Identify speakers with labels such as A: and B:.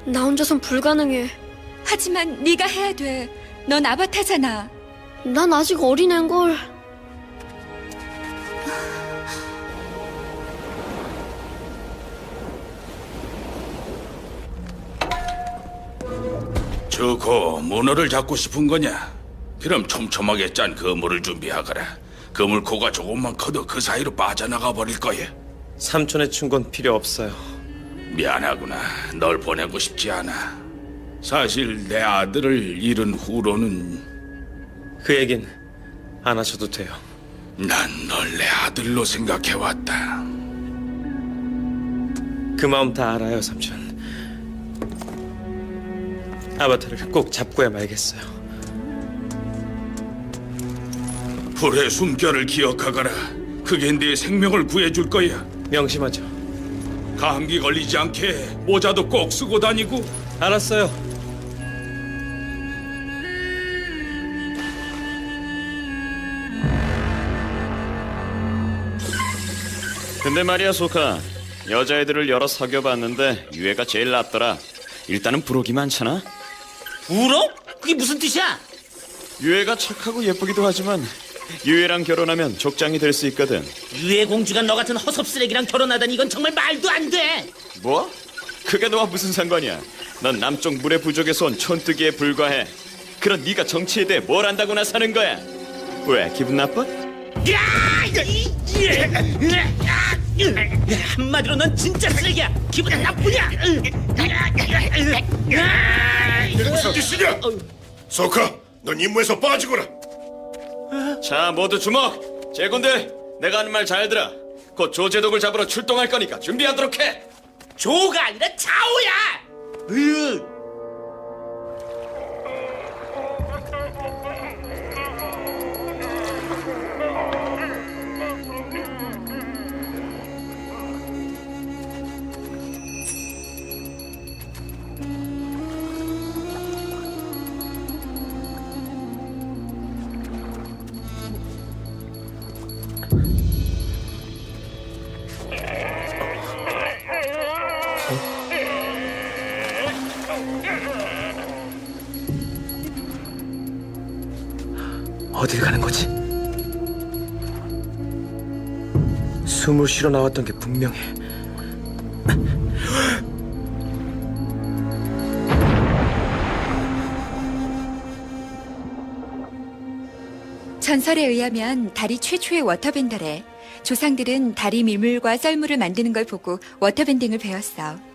A: 나 혼자선 불가능해.
B: 하지만 네가 해야 돼. 넌 아바타잖아.
A: 난 아직 어린애인걸.
C: 주고 문어를 잡고 싶은 거냐? 그럼 촘촘하게 짠 그물을 준비하거라. 그물코가 조금만 커도 그 사이로 빠져나가 버릴 거야.
D: 삼촌의 충고는 필요 없어요.
C: 미안하구나. 널 보내고 싶지 않아. 사실 내 아들을 잃은 후로는
D: 그 얘긴 안 하셔도 돼요.
C: 난 널 내 아들로 생각해왔다.
D: 그 마음 다 알아요, 삼촌. 아바타를 꼭 잡고야 말겠어요.
C: 불의 숨결을 기억하거라. 그게 네 생명을 구해줄 거야.
D: 명심하죠.
C: 감기 걸리지 않게 모자도 꼭 쓰고 다니고.
D: 알았어요.
E: 근데 말이야, 소카. 여자애들을 여러 사귀어봤는데 유해가 제일 낫더라. 일단은 부록이 많잖아.
F: 부록? 그게 무슨 뜻이야?
E: 유해가 착하고 예쁘기도 하지만 유해랑 결혼하면 족장이 될 수 있거든.
F: 유해 공주가 너 같은 허섭 쓰레기랑 결혼하다니 이건 정말 말도 안 돼.
E: 뭐? 그게 너와 무슨 상관이야? 넌 남쪽 물의 부족에서 온 촌뜨기에 불과해. 그런 네가 정치에 대해 뭘 안다고나 사는 거야? 왜, 기분 나빠?
F: 한마디로 넌 진짜 쓰레기야. 기분 나쁘냐?
G: 무슨 짓이냐? 소카, 넌 임무에서 빠지거라.
E: 자, 모두 주목! 제군들, 내가 하는 말 잘 들어. 곧 조제독을 잡으러 출동할 거니까 준비하도록 해!
F: 조가 아니라 자오야.
D: 어딜 가는 거지? 숨을 쉬러 나왔던 게 분명해.
B: 전설에 의하면 달이 최초의 워터밴더래. 조상들은 달이 밀물과 썰물을 만드는 걸 보고 워터밴딩을 배웠어.